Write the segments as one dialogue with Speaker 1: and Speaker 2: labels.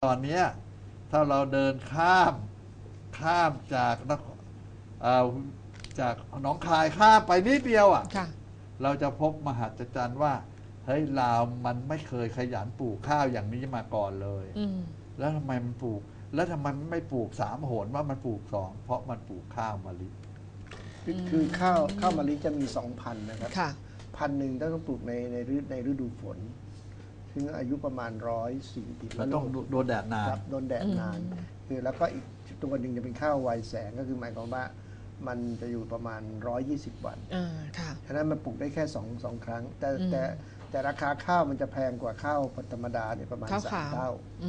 Speaker 1: ตอนนี้ถ้าเราเดินข้ามจากเอ่อจากหนองคายข้ามไปนิดเดียว
Speaker 2: ค่ะ
Speaker 1: เราจะพบมหัศจรรย์ว่าเฮ้ยลาวมันไม่เคยขยันปลูกข้าวอย่างนี้มาก่อนเลยแล้วทำไมมันปลูกแล้วทำไมมันไม่ปลูก3 หนว่ามันปลูก2เพราะมันปลูกข้าวมะลิ
Speaker 3: คือข้าวมะลิจะมี2 พันธุ์นะครับพันธุ์หนึ่งต้องปลูกในฤดูฝนซึ่งอายุประมาณ140
Speaker 1: แล้วต้องโดนแดดนาน
Speaker 3: โดนแดดนานคือแล้วก็อีกตัวหนึ่งจะเป็นข้าวไวแสงก็คือหมายความว่ามันจะอยู่ประมาณ120 วันฉะนั้นมันปลูกได้แค่สองครั้งแต่ราคาข้าวมันจะแพงกว่าข้าวธรรมดาเนี่ยประมาณ3 เท่า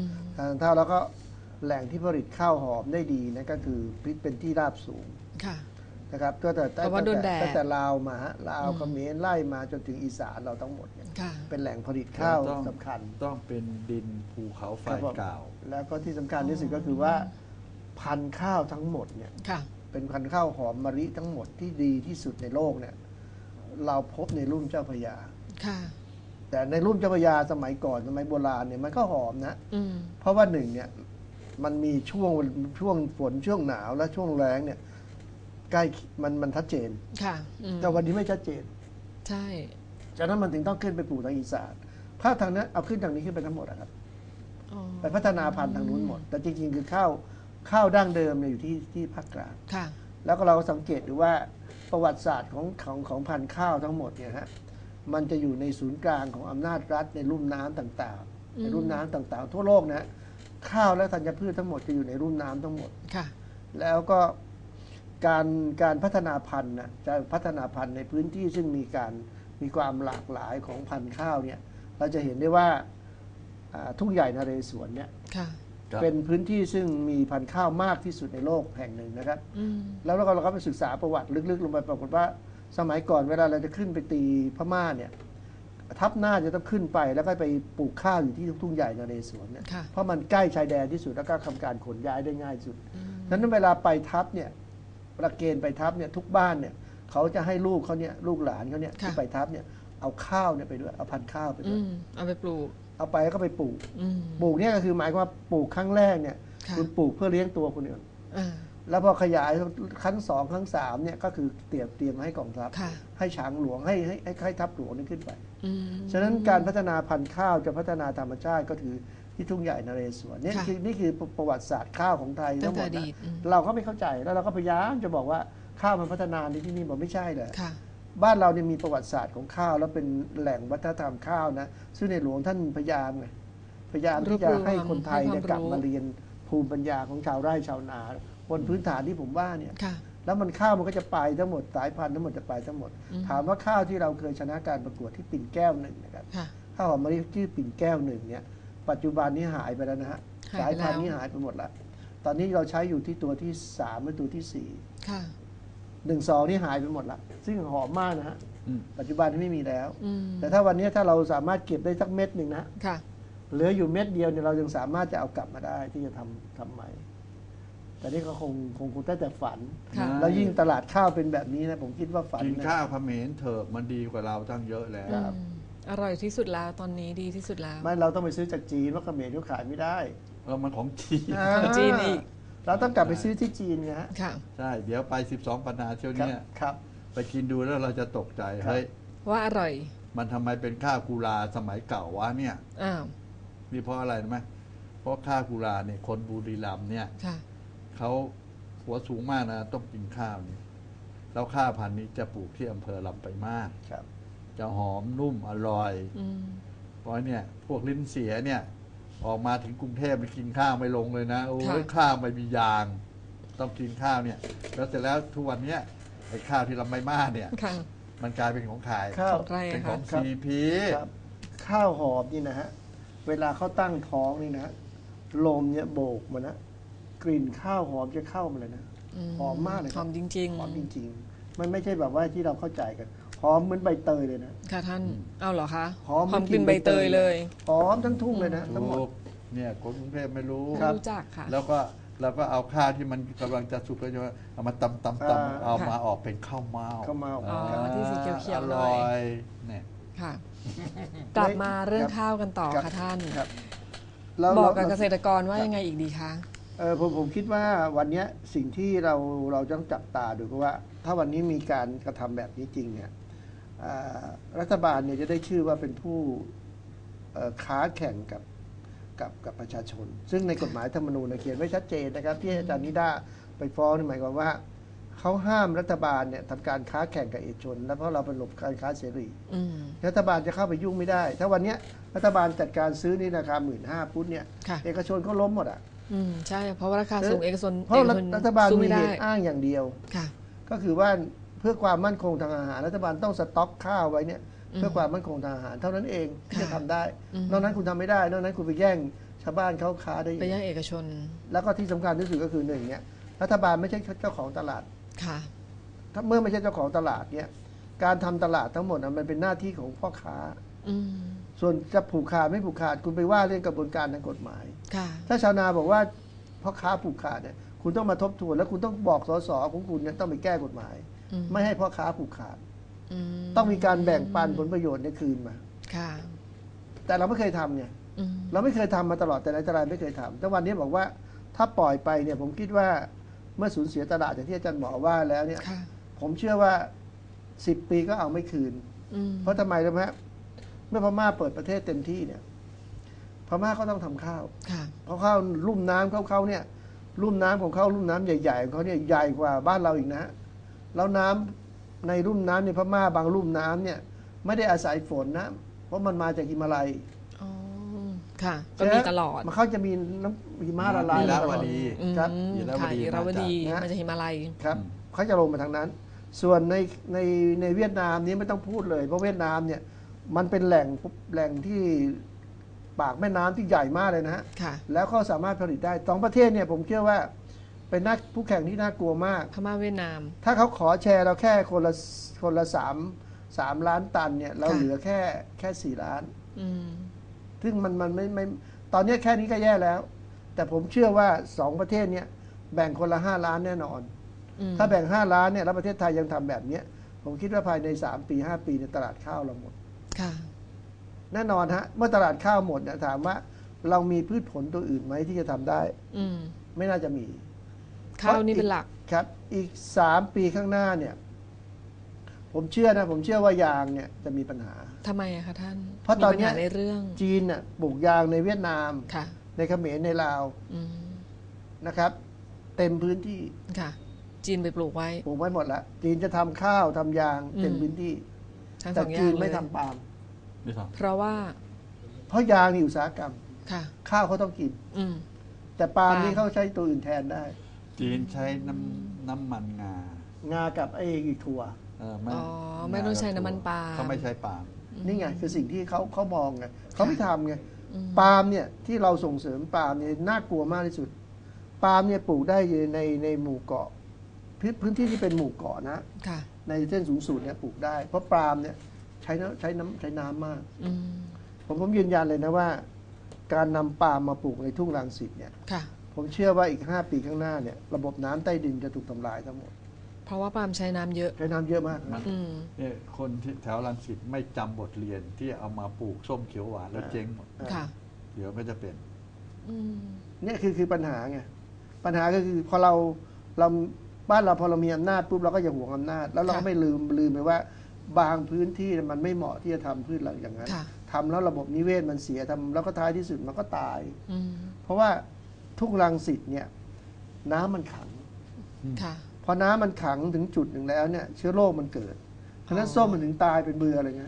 Speaker 3: 3 เท่าแล้วก็แหล่งที่ผลิตข้าวหอมได้ดีนั่นก็คือเป็นที่ราบสูงนะครับก็แต่ตั้งแต่ลาวมาลาวเขมรไล่มาจนถึงอีสานเราทั้งหมดเนี่ยเป็นแหล่งผลิตข้าวสำคัญ
Speaker 1: ต้องเป็นดินภูเขาไฟเก่า
Speaker 3: แล้วก็ที่สำคัญที่สุดก็คือว่าพันธุ์ข้าวทั้งหมดเนี่ยเป็นพันธุ์ข้าวหอมมะลิทั้งหมดที่ดีที่สุดในโลกเนี่ยเราพบในลุ่มเจ้าพระยาแต่ในลุ่มเจ้าพระยาสมัยก่อนสมัยโบราณเนี่ยมันก็หอมนะเพราะว่าหนึ่งเนี่ยมันมีช่วงฝนช่วงหนาวและช่วงแล้งเนี่ยใกล้มันชัดเจนแต่วันนี้ไม่ชัดเจน
Speaker 2: ใช่
Speaker 3: จากนั้นมันถึงต้องขึ้นไปปลูกทางอีสานถ้าทางนั้นเอาขึ้นทางนี้ขึ้นไปทั้งหมดนะครับไปพัฒนาพันธุ์ทางนู้นหมดแต่จริงๆคือข้าวดั้งเดิมเนี่ยอยู่ที่ภาคกลางแล้วก็เราสังเกตดูว่าประวัติศาสตร์ของพันธุ์ข้าวทั้งหมดเนี่ยฮะมันจะอยู่ในศูนย์กลางของอำนาจรัฐในลุ่มน้ำต่างๆในลุ่มน้ำต่างๆทั่วโลกนะข้าวและธัญพืชทั้งหมดจะอยู่ในลุ่มน้ำทั้งหมดแล้วก็การพัฒนาพันธุ์นะจะพัฒนาพันธุ์ในพื้นที่ซึ่งมีความหลากหลายของพันธุ์ข้าวเนี่ยเราจะเห็นได้ว่าทุ่งใหญ่นเรศวรเนี่ยเป็นพื้นที่ซึ่งมีพันธุ์ข้าวมากที่สุดในโลกแห่งหนึ่งนะครับแล้วเราก็ไปศึกษาประวัติลึกๆลงไปปรากฏว่าสมัยก่อนเวลาเราจะขึ้นไปตีพม่าเนี่ยทัพหน้าจะต้องขึ้นไปแล้วก็ไปปลูกข้าวอยู่ที่ทุ่งใหญ่นเรศวรเนี่ยเพราะมันใกล้ชายแดนที่สุดแล้วก็ทำการขนย้ายได้ง่ายสุดฉะนั้นเวลาไปทัพเนี่ยประเกณฑ์ไปทัพเนี่ยทุกบ้านเนี่ยเขาจะให้ลูกเขาเนี่ยลูกหลานเขาเนี่ยที่ไปทัพเนี่ยเอาข้าวเนี่ยไปด้วยเอาพันธุ์ข้าวไปด้วย
Speaker 2: เอาไปปลูก
Speaker 3: เอาไปแล้วก็ไปปลูกเนี่ยก็คือหมายความว่าปลูกครั้งแรกเนี่ยคุณปลูกเพื่อเลี้ยงตัวคนอื่นแล้วพอขยายครั้ง2ครั้ง3เนี่ยก็คือเตรียมให้กองทัพให้ฉางหลวงให้ทัพหลวงนี่ขึ้นไปฉะนั้นการพัฒนาพันธุ์ข้าวจะพัฒนาธรรมชาติก็คือที่ทุ่งใหญ่นเรศวรนี่คือประวัติศาสตร์ข้าวของไทยทั้งหมดนะเราก็ไม่เข้าใจแล้วเราก็พยายามจะบอกว่าข้าวมันพัฒนาในที่นี่บอกไม่ใช่เลยบ้านเราเนี่ยมีประวัติศาสตร์ของข้าวแล้วเป็นแหล่งวัฒนธรรมข้าวนะซึ่งในหลวงท่านพยายามที่จะให้คนไทยเนี่ยกลับมาเรียนภูมิปัญญาของชาวไร่ชาวนาบนพื้นฐานที่ผมว่าเนี่ยแล้วมันข้าวมันก็จะไปทั้งหมดสายพันธุ์ทั้งหมดจะไปทั้งหมดถามว่าข้าวที่เราเคยชนะการประกวดที่ปิ่นแก้ว1นะครับข้าวหอมมะลิชื่อปิ่นแก้ว1เนี่ยปัจจุบันนี้หายไปแล้วนะฮะสายพันธุ์นี้หายไปหมดแล้วตอนนี้เราใช้อยู่ที่ตัวที่3หรือตัวที่4 1-2นี่หายไปหมดแล้วซึ่งหอมมากนะฮะปัจจุบันไม่มีแล้วแต่ถ้าวันนี้ถ้าเราสามารถเก็บได้สักเม็ดหนึ่งนะเหลืออยู่เม็ดเดียวเนี่ยเรายังสามารถจะเอากลับมาได้ที่จะทำใหม่แต่นี่ก็คงได้แต่ฝันแล้วยิ่งตลาดข้าวเป็นแบบนี้นะผมคิดว่าฝัน
Speaker 1: กินข้าวเขมรเถอะมันดีกว่าเราตั้งเยอะแล้ว
Speaker 2: อร่อยที่สุดแล้วตอนนี้ดีที่สุดแล้ว
Speaker 3: ไม่เราต้องไปซื้อจากจีนเพราะเขมรเขาขายไม่ได้
Speaker 1: มันของจีน
Speaker 2: อีก
Speaker 3: เราต้องกลับไปซื้อที่จีนไงฮะ
Speaker 1: ใช่เดี๋ยวไป12 ปันนาเที่ยวนี้ไปกินดูแล้วเราจะตกใจเฮ้ย
Speaker 2: ว่าอร่อย
Speaker 1: มันทำไมเป็นข้าวกุลาสมัยเก่าวะเนี่ยนี่เพราะอะไรรู้ไหมเพราะข้าวกุลาเนี่ยคนบุรีรัมย์เนี่ยเขาหัวสูงมากนะต้องกินข้าวนี่แล้วข้าวพันธุ์นี้จะปลูกที่อำเภอลำปลายมาศจะหอมนุ่มอร่อยเพราะเนี่ยพวกลิ้นเสียเนี่ยออกมาถึงกรุงเทพไปกินข้าวไม่ลงเลยนะโอ้ยข้าวไม่มียางต้องกินข้าวเนี่ยแล้วเสร็จแล้วทุกวันนี้ไอ้ข้าวที่ลำปลายมาศเนี่ยมันกลายเป็นของขายเป็นของซีพี
Speaker 3: ข้าวหอมนี่นะฮะเวลาเขาตั้งท้องนี่นะลมเนี่ยโบกมันนะกลิ่นข้าวหอมจะเข้ามาเลยนะหอมมากเลย
Speaker 2: หอมจริง
Speaker 3: ๆหอมจริงๆมันไม่ใช่แบบว่าที่เราเข้าใจกันหอมเหมือนใบเตยเลยนะ
Speaker 2: ค่ะท่านเอาเหรอคะหอมกลิ่นใบเตยเลย
Speaker 3: หอมทั้งทุ่งเลยนะทั้งหมด
Speaker 1: เนี่ยคนกรุงเทพไม่รู้
Speaker 2: จักค่ะ
Speaker 1: แล้วก็เราก็เอาข้าวที่มันกำลังจะสุกแล้วจะเอามาตำเอามาออกเป็นข้าวเม่า
Speaker 2: ที่สีเขียว
Speaker 1: ๆอร่อยเนี่ย
Speaker 2: ค่ะกลับมาเรื่องข้าวกันต่อค่ะท่านบอกกับเกษตรกรว่ายังไงอีกดีคะ
Speaker 3: ผมคิดว่าวันนี้สิ่งที่เราต้องจับตาดูก็ว่า ถ้าวันนี้มีการกระทำแบบนี้จริงเนี่ยรัฐบาลเนี่ยจะได้ชื่อว่าเป็นผู้ค้าแข่งกับประชาชน ซึ่งในกฎหมายธรรมนูญเขียนไว้ชัดเจนนะครับที่อาจารย์นิด้าไปฟ้องนี่หมายความว่าเขาห้ามรัฐบาลเนี่ยทำการค้าแข่งกับเอกชนแล้วเพราะเราเป็นหลบการค้าเสรีรัฐบาลจะเข้าไปยุ่งไม่ได้ ถ้าวันนี้รัฐบาลจัดการซื้อนี่ราคา15,000 พุทธเนี่ยเอกชนเขาล้มหมดอ่ะ
Speaker 2: ใช่เพราะว่าราคาสูงเอกชน
Speaker 3: เพราะรัฐบาลมีเหตุอ้างอย่างเดียวก็คือว่าเพื่อความมั่นคงทางอาหารรัฐบาลต้องสต็อกข้าวไว้เนี่ยเพื่อความมั่นคงทางอาหารเท่านั้นเองที่จะทำได้นอกนั้นคุณทำไม่ได้นอกนั้นคุณไปแย่งชาวบ้านเขาค้าได้
Speaker 2: ไปแย่งเอกชน
Speaker 3: แล้วก็ที่สำคัญที่สุดก็คือหนึ่งเนี่ยรัฐบาลไม่ใช่เจ้าของตลาดถ้าเมื่อไม่ใช่เจ้าของตลาดเนี่ยการทำตลาดทั้งหมดมันเป็นหน้าที่ของพ่อค้าส่วนจะผูกขาดไม่ผูกขาดคุณไปว่าเรื่องกระบวนการทางกฎหมายถ้าชาวนาบอกว่าพ่อค้าผูกขาดเนี่ยคุณต้องมาทบทวนแล้วคุณต้องบอกสสของคุณเนี่ยต้องไปแก้กฎหมายไม่ให้พ่อค้าผูกขาดต้องมีการแบ่งปันผลประโยชน์ในคืนมาแต่เราไม่เคยทำเนี่ยเราไม่เคยทำมาตลอดแต่ไหนแต่ไรไม่เคยทำแต่วันนี้บอกว่าถ้าปล่อยไปเนี่ยผมคิดว่าเมื่อสูญเสียตลาดอย่างที่อาจารย์หมอว่าแล้วเนี่ยผมเชื่อว่า10 ปีก็เอาไม่คืนเพราะทำไมรู้ไหมเมื่อพม่าเปิดประเทศเต็มที่เนี่ยพม่าก็ต้องทำข้าวเพราะข้าวลุ่มน้ำเขาเนี่ยลุ่มน้ำของเขาลุ่มน้ำใหญ่ๆของเขาเนี่ยใหญ่กว่าบ้านเราอีกนะแล้วน้ำในลุ่มน้ำในพม่าบางลุ่มน้ำเนี่ยไม่ได้อาศัยฝนนะเพราะมันมาจากหิมาลัย
Speaker 2: ค่ะก็มีตลอด
Speaker 3: มันเขาจะมีน้ำหิมะละลาย
Speaker 1: ตลอด
Speaker 2: ครับอิราวดีมันจะหิมาลัย
Speaker 3: ครับเขาจะลงมาทางนั้นส่วนในเวียดนามนี้ไม่ต้องพูดเลยเพราะเวียดนามเนี่ยมันเป็นแหล่งที่ปากแม่น้ำที่ใหญ่มากเลยนะฮะแล้วเขาสามารถผลิตได้2 ประเทศเนี่ยผมเชื่อว่าเป็นผู้แข่งที่น่ากลัวมาก
Speaker 2: พม่าเวียดนาม
Speaker 3: ถ้าเขาขอแชร์เราแค่คนละ3 ล้านตันเนี่ยเราเหลือแค่4 ล้านซึ่งมันไม่ตอนนี้แค่นี้ก็แย่แล้วแต่ผมเชื่อว่า2 ประเทศเนี่ยแบ่งคนละ5 ล้านแน่นอนถ้าแบ่ง5 ล้านเนี่ยแล้วประเทศไทยยังทำแบบนี้ผมคิดว่าภายใน3 ปี5 ปีในตลาดข้าวเราหมดแน่นอนฮะเมื่อตลาดข้าวหมดเนี่ยถามว่าเรามีพืชผลตัวอื่นไหมที่จะทำได้ไม่น่าจะมี
Speaker 2: ข้าวนี่เป็นหลัก
Speaker 3: ครับอีก3 ปีข้างหน้าเนี่ยผมเชื่อว่ายางเนี่ยจะมีปัญหา
Speaker 2: ทำไมอะคะท่าน
Speaker 3: เพราะตอนนี้
Speaker 2: ในเรื่อง
Speaker 3: จีนน่ะปลูกยางในเวียดนามในเขมรในลาวนะครับเต็มพื้นที่
Speaker 2: ค่ะจีนไปปลูกไว้
Speaker 3: หมดแล้วจีนจะทำข้าวทำยางเต็มพื้นที่แต่จีนไม่ทำปาล์ม
Speaker 2: เพราะ
Speaker 3: ยางนี่อุตสาหกรรมข้าวเขาต้องกินแต่ปาล์มนี่เขาใช้ตัวอื่นแทนได้
Speaker 1: จีนใช้น้ำมัน
Speaker 3: งากับไอ้ถั่ว
Speaker 2: ไม่ต้องใช้น้ำมันปาล์ม
Speaker 1: เขาไม่ใช้ปาล์ม
Speaker 3: นี่ไงคือสิ่งที่เขามองไงเขาไม่ทำไงปาล์มเนี่ยที่เราส่งเสริมปาล์มเนี่ยน่ากลัวมากที่สุดปาล์มเนี่ยปลูกได้ในหมู่เกาะพื้นที่ที่เป็นหมู่เกาะนะในเส้นสูงสุดเนี่ยปลูกได้เพราะปาล์มเนี่ยใช้น้ำมากผมยืนยันเลยนะว่าการนำปาล์มมาปลูกในทุ่งรังสิตเนี่ยผมเชื่อว่าอีก5 ปีข้างหน้าเนี่ยระบบน้ำใต้ดินจะถูกทำลายทั้งหมด
Speaker 2: เพราะว่าปาล์มใช้น้ำเยอะ
Speaker 3: มาก
Speaker 1: เนี่ยคนที่แถวรังสิตไม่จำบทเรียนที่เอามาปลูกส้มเขียวหวานแล้วเจ๊งหมดเดี๋ยวก็จะเป็น
Speaker 3: เนี่ยคือปัญหาไงปัญหาก็คือพอเราบ้านเราพอเรามีอำนาจปุ๊บเราก็อย่าหวงอำนาจแล้วเราก็ไม่ลืมไปว่าบางพื้นที่มันไม่เหมาะที่จะทำพืชหลังอย่างนั้นทำแล้วระบบนิเวศมันเสียทำแล้วก็ท้ายที่สุดมันก็ตายเพราะว่าทุ่งรังสิตเนี่ยน้ำมันขังพอน้ำมันขังถึงจุดหนึ่งแล้วเนี่ยเชื้อโรคมันเกิดเพราะนั้นส้มมันถึงตายเป็นเบื่ออะไรเงี้ย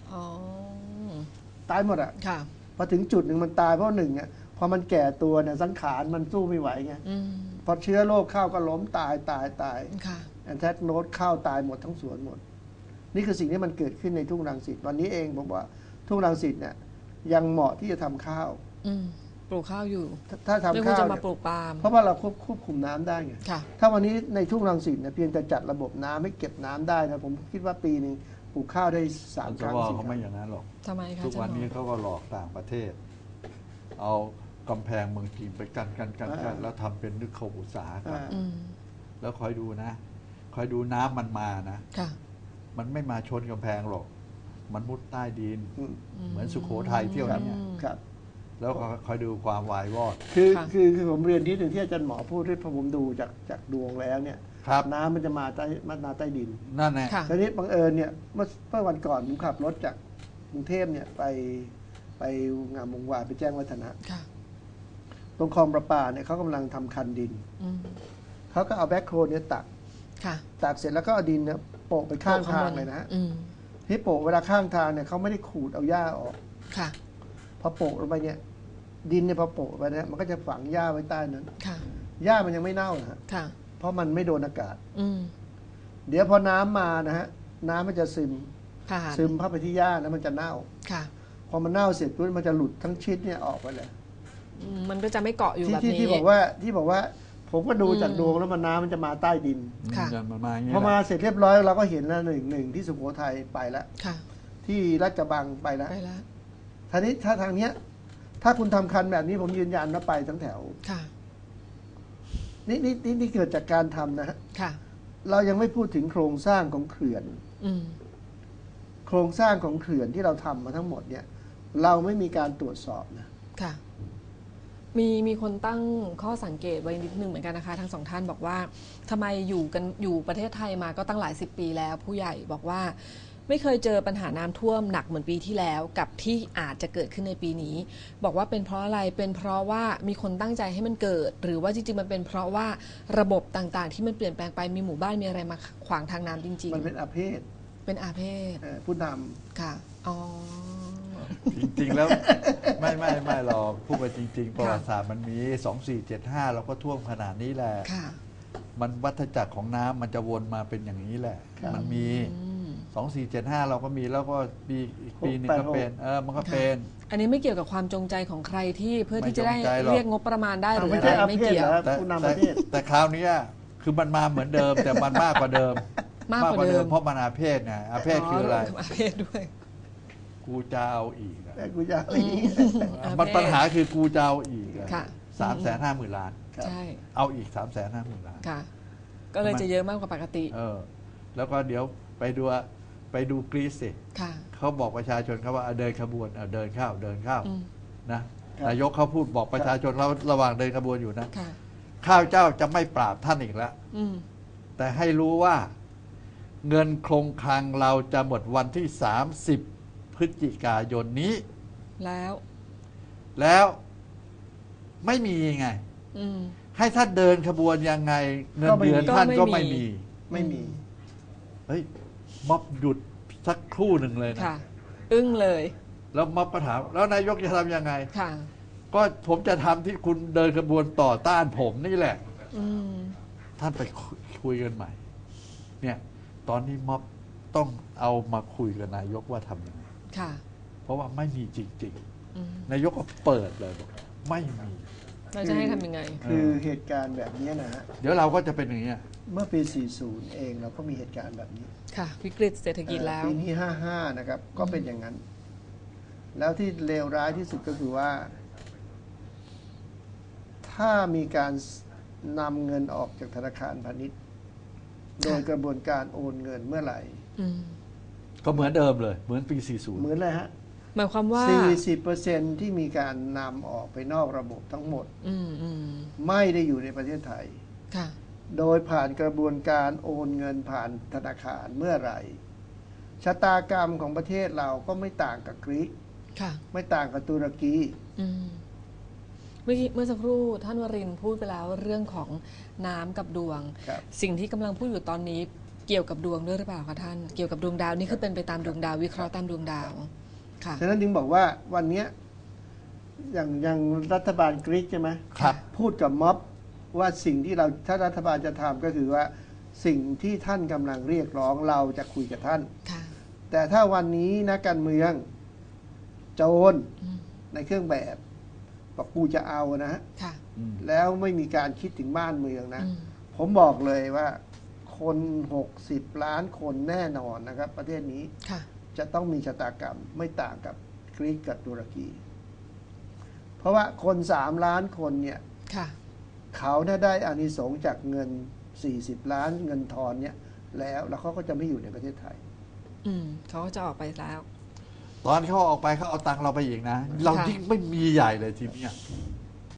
Speaker 3: ตายหมดอ่ะพอถึงจุดหนึ่งมันตายเพราะหนึ่งเนี่ยพอมันแก่ตัวเนี่ยสังขารมันสู้ไม่ไหวไงพอเชื้อโรคเข้าก็ล้มตายแอนแทกโนดเข้าตายหมดทั้งสวนหมดนี่คือสิ่งที่มันเกิดขึ้นในทุ่งรังสิตวันนี้เองผมว่าทุ่งรังสิตเนี่ยยังเหมาะที่จะทำข้าว
Speaker 2: ปลูกข้าวอยู่
Speaker 3: ถ้าทำข้าว
Speaker 2: จะมาปลูกปาล์ม
Speaker 3: เพราะว่าเราควบคุมน้ำได้ไงถ้าวันนี้ในทุ่งรังสิตเนี่ยเพียงแต่จัดระบบน้ำให้เก็บน้ำได้นะผมคิดว่าปีนึงปลูกข้าวได้3 ครั้ง
Speaker 1: เขาไม่อย่างนั้นหรอก
Speaker 2: ทำไมคะ
Speaker 1: ทุกวันนี้เขาก็หลอกต่างประเทศเอากำแพงเมืองจีนไปกันแล้วทำเป็นนึกเขาอุตสาหกรรมแล้วคอยดูนะคอยดูน้ำมันมานะมันไม่มาชนกำแพงหรอกมันมุดใต้ดินเหมือนสุโขทัยเที่ยวนี้แล้วคอยดูความวายวอด
Speaker 3: คือผมเรียนที่หนึ่งที่อาจารย์หมอพูดที่พอผมดูจากดวงแล้วเนี่ยน้ำมันจะมาใต้ดิน
Speaker 1: นั่นแหละ
Speaker 3: ทีนี้บังเอิญเนี่ยเมื่อวันก่อนผมขับรถจากกรุงเทพเนี่ยไปงามวงวานไปแจ้งวัฒนะตรงคลองประปาเนี่ยเขากำลังทำคันดินเขาก็เอาแบ็คโครเนี่ยตักเสร็จแล้วก็เอาดินเนี่ยโปะไปข้างทางเลยนะฮะที่โปะเวลาข้างทางเนี่ยเขาไม่ได้ขูดเอาหญ้าออกพอโปะลงไปเนี่ยดินเนี่ยพอโปะไปเนี่ยมันก็จะฝังหญ้าไว้ใต้นั้นหญ้ามันยังไม่เน่านะฮะเพราะมันไม่โดนอากาศเดี๋ยวพอน้ำมานะฮะน้ำมันจะซึมเข้าไปที่หญ้าแล้วมันจะเน่าพอมันเน่าเสร็จปุ๊บมันจะหลุดทั้งชิดเนี่ยออกไปเลย
Speaker 2: มันก็จะไม่เกาะอยู่แบบนี้
Speaker 3: ที่บอกว่าผมก็ดูจากดวงแล้วมันน้ำมันจะมาใต้ดินพอมาเสร็จเรียบร้อยเราก็เห็นแล้วหนึ่งที่สุโขทัยไปแล้วที่ราชกระบังไปแล้วทีนี้ถ้าทางเนี้ยถ้าคุณทำคันแบบนี้ผมยืนยันว่าไปทั้งแถวนี่เกิดจากการทำนะฮะเรายังไม่พูดถึงโครงสร้างของเขื่อนโครงสร้างของเขื่อนที่เราทำมาทั้งหมดเนี่ยเราไม่มีการตรวจสอบนะ
Speaker 2: มีคนตั้งข้อสังเกตไว้นิดนึงเหมือนกันนะคะทั้งสองท่านบอกว่าทำไมอยู่ประเทศไทยมาก็ตั้งหลาย10 ปีแล้วผู้ใหญ่บอกว่าไม่เคยเจอปัญหาน้ำท่วมหนักเหมือนปีที่แล้วกับที่อาจจะเกิดขึ้นในปีนี้บอกว่าเป็นเพราะอะไรเป็นเพราะว่ามีคนตั้งใจให้มันเกิดหรือว่าจริงๆมันเป็นเพราะว่าระบบต่างๆที่มันเปลี่ยนแปลงไปมีหมู่บ้านมีอะไรมาขวางทางน้ำจริง
Speaker 3: ๆมันเป็นอาเพศผู้น
Speaker 2: ำค่ะอ๋อ
Speaker 1: จริงๆแล้วไม่หรอกพูดไปจริงๆประวัติศาสตร์มันมี2475เราก็ท่วมขนาดนี้แหละมันวัฏจักรของน้ำมันจะวนมาเป็นอย่างนี้แหละมันมี2475เราก็มีแล้วก็ปีอีกปีนึงก็เป็นมันก็เป็น
Speaker 2: อันนี้ไม่เกี่ยวกับความจงใจของใครที่เพื่อที่จะได้เรียกงบประมาณได้หรืออะไรไม่เกี่ยว
Speaker 1: แต่คราวนี้คือมันมาเหมือนเดิมแต่มันมากกว่าเดิมเพราะมันอาเพศไงอาเพศคืออะไร
Speaker 2: อาเพศด้วย
Speaker 1: กูจะเอาอีก
Speaker 3: กูจะเอาอีก
Speaker 1: มันปัญหาคือกูจะเอาอีก350,000 ล้าน
Speaker 2: ใช่
Speaker 1: เอาอีก350,000 ล้าน
Speaker 2: ค่ะก็เลยจะเยอะมากกว่าปกติ
Speaker 1: แล้วก็เดี๋ยวไปดูกรีซสิเขาบอกประชาชนเขาว่าเดินขบวนเดินเข้านะนายกเขาพูดบอกประชาชนเราระหว่างเดินขบวนอยู่นะข้าเจ้าจะไม่ปราบท่านอีกแล้วแต่ให้รู้ว่าเงินคงคลังเราจะหมดวันที่30 พฤศจิกายนนี้แล้วไม่มีไงให้ท่านเดินขบวนยังไงเงินเดือนท่านก็ไม่มีเฮ้ยม็อบหยุดสักครู่หนึ่งเลยนะ
Speaker 2: อึ้งเลย
Speaker 1: แล้วม็อบก็ถามแล้วนายกจะทำยังไงก็ผมจะทำที่คุณเดินขบวนต่อต้านผมนี่แหละท่านไปคุยกันใหม่เนี่ยตอนนี้ม็อบต้องเอามาคุยกับนายกว่าทำยังไงเพราะว่าไม่มีจริงๆนายกก็เปิดเลยบอกไม่มี
Speaker 2: เราจะให้ทำยังไง
Speaker 3: คือเหตุการณ์แบบนี้นะฮะ
Speaker 1: เดี๋ยวเราก็จะเป็นอย่างนี้
Speaker 3: เมื่อปี 40 เองเราก็มีเหตุการณ์แบบนี้
Speaker 2: ค่ะวิกฤตเศรษฐกิจแล้ว
Speaker 3: ปีนี้ 55 นะครับก็เป็นอย่างนั้นแล้วที่เลวร้ายที่สุดก็คือว่าถ้ามีการนำเงินออกจากธนาคารพาณิชย์โดยกระบวนการโอนเงินเมื่อไหร่
Speaker 1: ก็เหมือนเดิมเลยเหมือนปี 40
Speaker 3: เหมือนเลยฮะ
Speaker 2: หมายความว่า
Speaker 3: 40% ที่มีการนำออกไปนอกระบบทั้งหมดไม่ได้อยู่ในประเทศไทยโดยผ่านกระบวนการโอนเงินผ่านธนาคารเมื่อไหร่ชะตากรรมของประเทศเราก็ไม่ต่างกับกรีกไม่ต่างกับตุรกี
Speaker 2: เมื่อสักครู่ท่านวรินทร์พูดไปแล้วเรื่องของน้ำกับดวงสิ่งที่กำลังพูดอยู่ตอนนี้เกี่ยวกับดวงด้วยหรือเปล่าคะท่านเกี่ยวกับดวงดาวนี่คือเป็นไปตามดวงดาววิเคราะห์ตามดวงดาว
Speaker 3: ฉะนั้นจึงบอกว่าวันนี้อย่างรัฐบาลกรีกใช่ไหมพูดกับม็อบว่าสิ่งที่เราถ้ารัฐบาลจะทำก็คือว่าสิ่งที่ท่านกำลังเรียกร้องเราจะคุยกับท่านแต่ถ้าวันนี้นักการเมืองโจรในเครื่องแบบบอกกูจะเอานะแล้วไม่มีการคิดถึงบ้านเมืองนะผมบอกเลยว่าคน60 ล้านคนแน่นอนนะครับประเทศนี้จะต้องมีชะตากรรมไม่ต่างกับกรีกกับตุรกีเพราะว่าคน3 ล้านคนเนี่ยเขาได้อานิสงส์จากเงิน40 ล้านเงินทอนเนี่ยแล้วเขาก็จะไม่อยู่ในประเทศไทย
Speaker 2: เขาก็จะออกไปแล้ว
Speaker 1: ตอนเขาออกไปเขาเอาตังค์เราไปอีกนะ เรายิ่งไม่มีใหญ่เลยทีเนี้ย